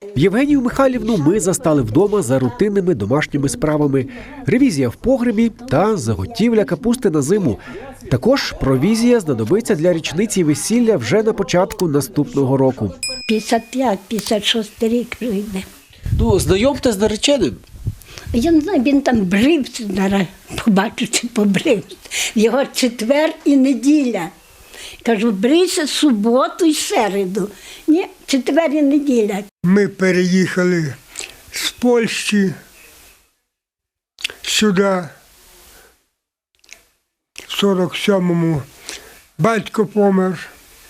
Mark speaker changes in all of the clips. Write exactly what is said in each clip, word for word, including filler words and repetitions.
Speaker 1: Євгенію Михайлівну ми застали вдома за рутинними домашніми справами. Ревізія в погребі та заготівля капусти на зиму. Також провізія знадобиться для річниці весілля вже на початку наступного року.
Speaker 2: п'ятдесят п'ять - п'ятдесят шостий рік прийде.
Speaker 1: Ну, знайомте з нареченим.
Speaker 2: Я не знаю, він там брився, зараз побачу, чи побрився. Його четвер і неділя. Кажу, брийся суботу і середу. Ні, четвер і неділя.
Speaker 3: Ми переїхали з Польщі сюди. В сорок сьомому батько помер.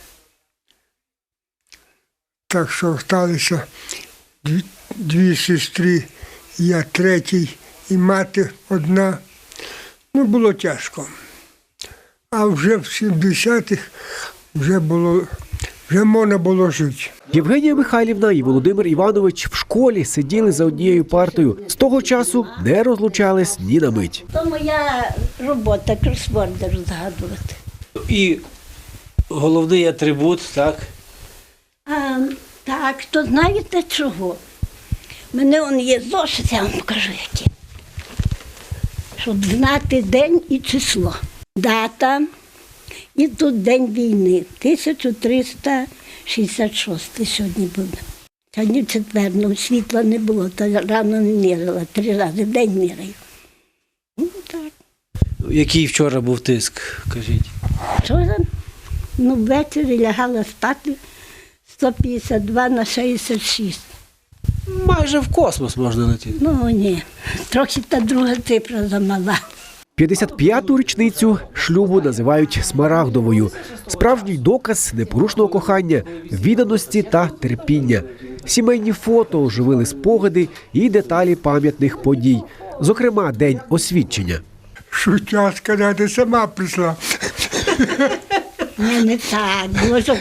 Speaker 3: Так що залишилися дві, дві сестри, я третій і мати одна. Ну, було тяжко. А вже в сімдесятих вже було, вже можна було жити.
Speaker 1: Євгенія Михайлівна і Володимир Іванович в школі сиділи за однією партою. З того часу не розлучались ні на мить.
Speaker 2: То моя робота, кросворди розгадувати.
Speaker 4: І головний атрибут, так?
Speaker 2: А, так, то знаєте чого? У мене он є зошит, я вам покажу які. Щоб знати день і число. Дата і тут день війни. тисяча триста шістдесят шостий сьогодні буде. Сьогодні четвер, ну світла не було, то рано не мірила, три рази в день міряю. Ну так.
Speaker 4: Який вчора був тиск, кажіть?
Speaker 2: Вчора, ну ввечері лягала спати сто п'ятдесят два на шістдесят шість.
Speaker 4: Майже в космос можна летіти.
Speaker 2: Ну ні, трохи та друга цифра замала.
Speaker 1: п'ятдесят п'яту річницю шлюбу називають смарагдовою. Справжній доказ непорушного кохання, відданості та терпіння. Сімейні фото оживили спогади і деталі пам'ятних подій. Зокрема, день освідчення.
Speaker 3: Шутя сказати, сама прийшла.
Speaker 2: Ні, не так, було щоб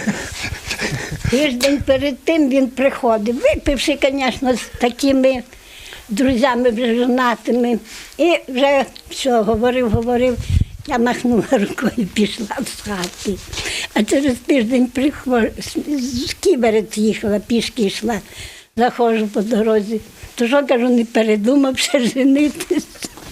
Speaker 2: тиждень перед тим він приходив, випивши, звісно, з такими друзями вже жонатими. І вже все, говорив, говорив, я махнула рукою і пішла з хати. А через тиждень приходжу, з Ківерець їхала, пішки йшла, заходжу по дорозі. То що, кажу, не передумав ще женитися.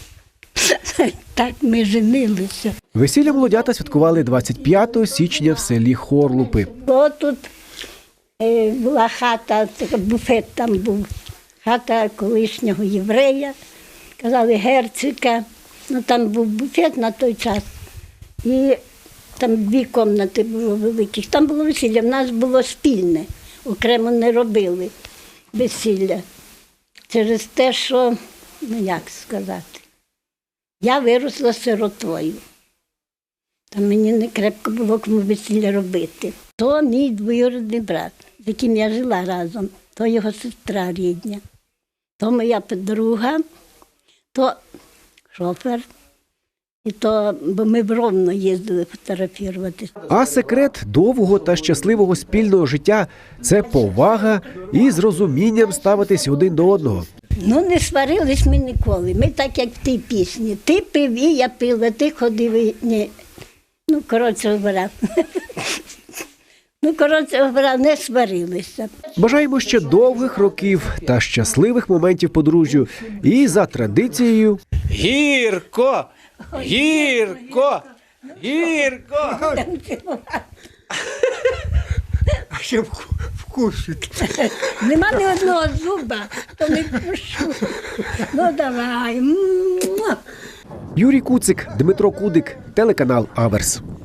Speaker 2: Так ми женилися.
Speaker 1: Весілля молодята святкували двадцять п'ятого січня в селі Хорлупи.
Speaker 2: О, тут е, була хата, така, буфет там був, хата колишнього єврея, казали Герцика, ну там був буфет на той час. І там дві кімнати було великих, там було весілля, в нас було спільне, окремо не робили весілля. Через те, що, ну як сказати, я виросла сиротою. Там мені не крепко було кому весілля робити. То мій двоюрідний брат, з яким я жила разом, то його сестра рідня, то моя подруга, то шофер, і то, бо ми в Ровно їздили фотографуватися.
Speaker 1: А секрет довгого та щасливого спільного життя – це повага і з розумінням ставитись один до одного.
Speaker 2: Ну, не сварились ми ніколи. Ми так, як в тій пісні. Ти пив, і я пила, ти ходив, і... Ні. Ну, коротше говоря. Ну, коротше говоря, не сварилися.
Speaker 1: Бажаємо ще довгих років та щасливих моментів подружжю. І за традицією
Speaker 4: Гірко! Гірко! Гірко!
Speaker 3: А ще вку- вкусить.
Speaker 2: Нема ні одного зуба, то не пущу. Ну, давай. М-м-м.
Speaker 1: Юрій Куцик, Дмитро Кудик, телеканал Аверс.